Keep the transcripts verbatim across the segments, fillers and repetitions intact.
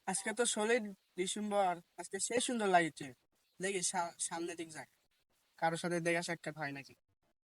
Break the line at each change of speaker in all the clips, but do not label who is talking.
আজকে তো ষোলোই ডিসেম্বর। আজকে সে সুন্দর লাগছে। দেখি সা- সামনে দিক যাক, কারোর সাথে দেখা সাক্ষাৎ হয় নাকি।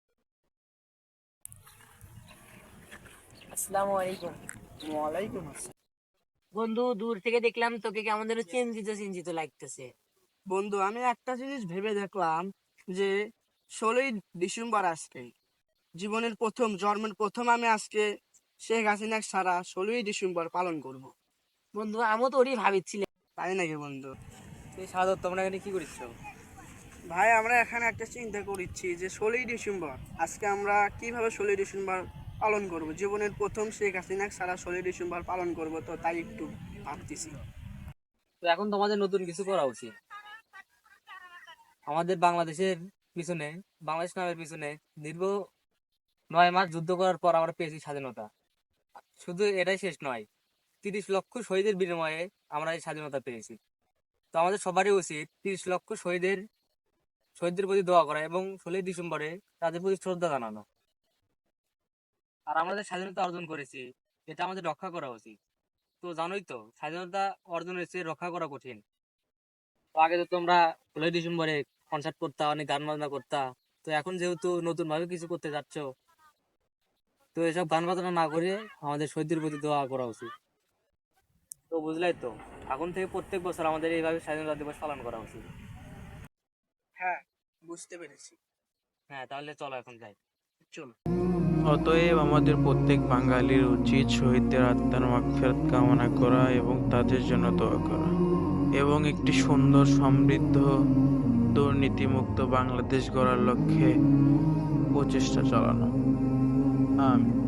আসসালামু আলাইকুম।
ওয়ালাইকুম আসসালাম।
বন্ধু, দূর থেকে দেখলাম তোকে কেমন যেন চিন্তিত চিন্তিত লাগতেছে।
বন্ধু, আমি একটা জিনিস ভেবে দেখলাম যে ষোলোই ডিসেম্বর আজকে জীবনের প্রথম, জন্মের প্রথম আমি আজকে শেখ হাসিনা সারা ষোলোই ডিসেম্বর পালন করব।
বন্ধু, আমিও তো ওরই ভাবছিলাম।
তাই নাকি বন্ধু?
তুই সাদত তোমরা এখানে কি করিস?
ভাই, আমরা এখানে একটা চিন্তা করছি যে ষোলোই ডিসেম্বর আজকে আমরা কিভাবে ষোলোই ডিসেম্বর পালন করব। জীবনের প্রথম শেখ হাসিনা সারা ষোলোই ডিসেম্বর পালন করব, তো তাই একটু ভাবতেছি।
তো এখন তোমাদের নতুন কিছু করা উচিত। আমাদের বাংলাদেশের পিছনে, বাংলাদেশ নামের পিছনে দীর্ঘ নয় মাস যুদ্ধ করার পর আমরা পেয়েছি স্বাধীনতা। শুধু এটাই শেষ নয়, তিরিশ লক্ষ শহীদের বিনিময়ে আমরা এই স্বাধীনতা পেয়েছি। তো আমাদের সবারই উচিত তিরিশ লক্ষ শহীদের শহীদদের প্রতি দোয়া করা এবং ষোলোই ডিসেম্বরে তাদের প্রতি শ্রদ্ধা জানানো। আর আমরা যে স্বাধীনতা অর্জন করেছি, এটা আমাদের রক্ষা করা উচিত। তো জানোই তো, স্বাধীনতা অর্জনের চেয়ে রক্ষা করা কঠিন। তো আগে তো তোমরা ষোলোই ডিসেম্বরে কনসার্ট করতা, অনেক গান বাজনা করতা। তো এখন যেহেতু নতুন ভাবে কিছু করতে যাচ্ছ, তো এসব গান বাজনা না করে আমাদের শহীদদের প্রতি দোয়া করা উচিত। তো বুঝলাই তো, এখন থেকে প্রত্যেক বছর আমাদের এইভাবে স্বাধীনতা দিবস পালন করা উচিত।
হ্যাঁ, বুঝতে পেরেছি।
হ্যাঁ, তাহলে চলো এখন যাই।
চল।
অতএব আমাদের প্রত্যেক বাঙালির উচিত শহীদদের আত্মার মাগফিরাত কামনা করা এবং তাদের জন্য দোয়া করা এবং একটি সুন্দর, সমৃদ্ধ, দুর্নীতিমুক্ত বাংলাদেশ গড়ার লক্ষ্যে প্রচেষ্টা চালানো। আমিন।